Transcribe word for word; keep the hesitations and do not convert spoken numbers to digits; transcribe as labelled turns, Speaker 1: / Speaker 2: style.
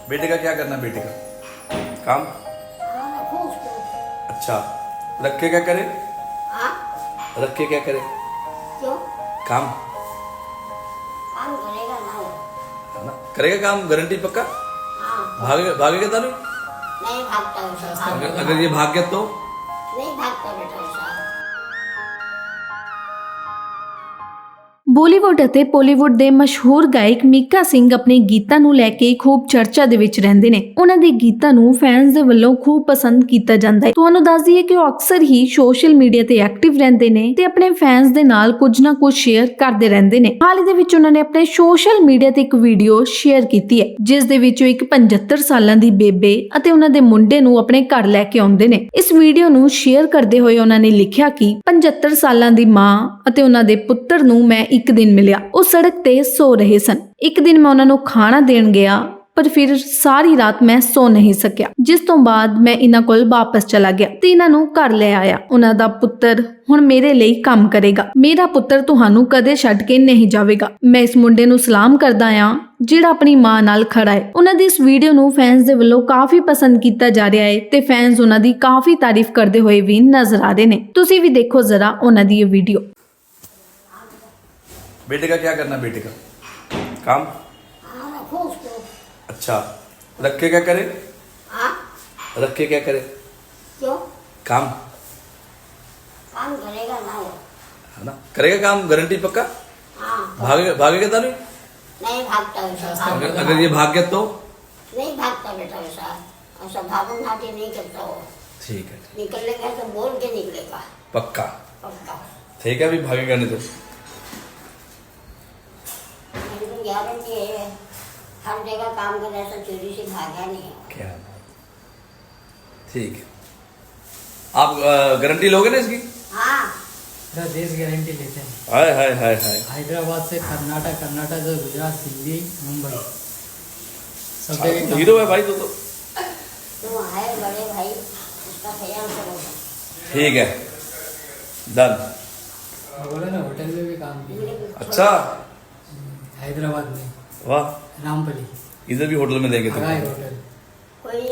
Speaker 1: बेटे का क्या करना है? बेटे का काम?
Speaker 2: हाँ, रखो उसको।
Speaker 1: अच्छा, रख के क्या करे?
Speaker 2: हाँ,
Speaker 1: रख के क्या करे?
Speaker 2: क्यों?
Speaker 1: काम
Speaker 2: काम करेगा ना वो।
Speaker 1: है ना, करेगा काम गारंटी पक्का?
Speaker 2: हाँ,
Speaker 1: भागेगा भागेगा तो नहीं?
Speaker 2: नहीं भागता वैसा, भाग
Speaker 1: अगर अगर ये भाग गया तो?
Speaker 2: नहीं भागता बेटा वैसा।
Speaker 3: ਬੋਲੀਵੁੱਡ ਅਤੇ ਪੋਲੀਵੁੱਡ ਦੇ ਮਸ਼ਹੂਰ ਗਾਇਕ ਮੀਕਾ ਸਿੰਘ ਆਪਣੇ ਗੀਤਾਂ ਨੂੰ ਲੈ ਕੇ ਖੂਬ ਚਰਚਾ ਦੇ ਵਿੱਚ ਰਹਿੰਦੇ ਨੇ। ਉਹਨਾਂ ਦੇ ਗੀਤਾਂ ਨੂੰ ਫੈਨਸ ਦੇ ਵੱਲੋਂ ਖੂਬ ਪਸੰਦ ਕੀਤਾ ਜਾਂਦਾ ਹੈ। ਤੁਹਾਨੂੰ ਦੱਸ ਦਈਏ ਕਿ ਉਹ ਅਕਸਰ ਹੀ ਸੋਸ਼ਲ ਮੀਡੀਆ ਤੇ ਐਕਟਿਵ ਰਹਿੰਦੇ ਨੇ ਤੇ ਆਪਣੇ ਫੈਨਸ ਦੇ ਨਾਲ ਕੁਝ ਨਾ ਕੁਝ ਸ਼ੇਅਰ ਕਰਦੇ ਰਹਿੰਦੇ ਨੇ। ਹਾਲ ਹੀ ਦੇ ਵਿੱਚ ਉਹਨਾਂ ਨੇ ਆਪਣੇ ਸੋਸ਼ਲ ਮੀਡੀਆ ਤੇ ਇੱਕ ਵੀਡੀਓ ਸ਼ੇਅਰ ਕੀਤੀ ਹੈ, ਜਿਸ ਦੇ ਵਿੱਚ ਉਹ ਇੱਕ ਪਚੱਤਰ ਸਾਲਾਂ ਦੀ ਬੇਬੇ ਅਤੇ ਉਹਨਾਂ ਦੇ ਮੁੰਡੇ ਨੂੰ ਆਪਣੇ ਘਰ ਲੈ ਕੇ ਆਉਂਦੇ ਨੇ। ਇਸ ਵੀਡੀਓ ਨੂੰ ਸ਼ੇਅਰ ਕਰਦੇ ਹੋਏ ਉਹਨਾਂ ਨੇ ਲਿਖਿਆ ਕਿ ਪਚੱਤਰ ਸਾਲਾਂ ਦੀ ਮਾਂ ਅਤੇ ਉਹਨਾਂ ਦੇ ਪੁੱਤਰ ਨੂੰ ਮੈਂ ਇੱਕ ਦਿਨ ਮਿਲਿਆ। ਉਹ ਸੜਕ ਤੇ ਸੋ ਰਹੇ ਸਨ। ਇੱਕ ਦਿਨ ਮੈਂ ਉਹਨਾਂ ਨੂੰ ਖਾਣਾ ਦੇਣ ਗਿਆ, ਪਰ ਫਿਰ ਸਾਰੀ ਰਾਤ ਮੈਂ ਸੋ ਨਹੀਂ ਸਕਿਆ, ਜਿਸ ਤੋਂ ਬਾਅਦ ਮੈਂ ਇਹਨਾਂ ਕੋਲ ਵਾਪਸ ਚਲਾ ਗਿਆ ਤੇ ਇਹਨਾਂ ਨੂੰ ਘਰ ਲੈ ਆਇਆ। ਉਹਨਾਂ ਦਾ ਪੁੱਤਰ ਹੁਣ ਮੇਰੇ ਲਈ ਕੰਮ ਕਰੇਗਾ। ਮੇਰਾ ਪੁੱਤਰ ਤੁਹਾਨੂੰ ਕਦੇ ਛੱਡ ਕੇ ਨਹੀਂ ਜਾਵੇਗਾ। ਮੈਂ ਇਸ ਮੁੰਡੇ ਨੂੰ ਸਲਾਮ ਕਰਦਾ ਹਾਂ ਜਿਹੜਾ ਆਪਣੀ ਮਾਂ ਨਾਲ ਖੜਾ ਹੈ। ਉਹਨਾਂ ਦੀ ਇਸ ਵੀਡੀਓ ਨੂੰ ਫੈਨਸ ਦੇ ਵੱਲੋਂ ਕਾਫੀ ਪਸੰਦ ਕੀਤਾ ਜਾ ਰਿਹਾ ਹੈ ਤੇ ਫੈਨਸ ਉਹਨਾਂ ਦੀ ਕਾਫੀ ਤਾਰੀਫ ਕਰਦੇ ਹੋਏ ਵੀ ਨਜ਼ਰ ਆ ਰਹੇ ਨੇ। ਤੁਸੀਂ ਵੀ ਦੇਖੋ ਜ਼ਰਾ ਉਹਨਾਂ ਦੀ ਇਹ ਵੀਡੀਓ।
Speaker 1: बेटे का क्या करना है? बेटे का काम?
Speaker 2: हाँ, रखो उसको।
Speaker 1: अच्छा, रख के क्या करे?
Speaker 2: हाँ,
Speaker 1: रख के क्या करे?
Speaker 2: क्यों?
Speaker 1: काम
Speaker 2: काम करेगा ना वो।
Speaker 1: है ना, करेगा काम गारंटी पक्का?
Speaker 2: हाँ,
Speaker 1: भागेगा भागेगा तो नहीं?
Speaker 2: नहीं भागता वैसा, भाग
Speaker 1: अगर अगर ये भाग गया तो?
Speaker 2: नहीं भागता बेटा वैसा, ऐसा भागम भागी नहीं करता वो।
Speaker 1: ठीक है,
Speaker 2: निकलेगा तो बोल के निकलेगा,
Speaker 1: पक्का
Speaker 2: पक्का।
Speaker 1: ठीक है, अभी भागेगा नहीं तो?
Speaker 2: मेरी गारंटी है, हर जगह काम कर ऐसा चोरी से भागा नहीं है।
Speaker 1: क्या बात। ठीक है, आप गारंटी लोगे ना इसकी?
Speaker 2: हाँ,
Speaker 4: पूरा देश गारंटी लेते हैं।
Speaker 1: हाय हाय हाय हाय।
Speaker 4: हैदराबाद से कर्नाटक, कर्नाटक से गुजरात, दिल्ली, मुंबई, सब
Speaker 1: आप
Speaker 4: जगह
Speaker 1: तो
Speaker 4: काम-
Speaker 1: हीरो है भाई, तो तो
Speaker 2: तुम है बड़े भाई, उसका ख्याल करो।
Speaker 1: ठीक है, डन।
Speaker 4: बोले ना होटल में भी काम किया,
Speaker 1: अच्छा,
Speaker 4: हैदराबाद में
Speaker 1: वाह,
Speaker 4: रामपली,
Speaker 1: इधर भी होटल में देंगे तो
Speaker 4: हगाई होटल।
Speaker 2: कोई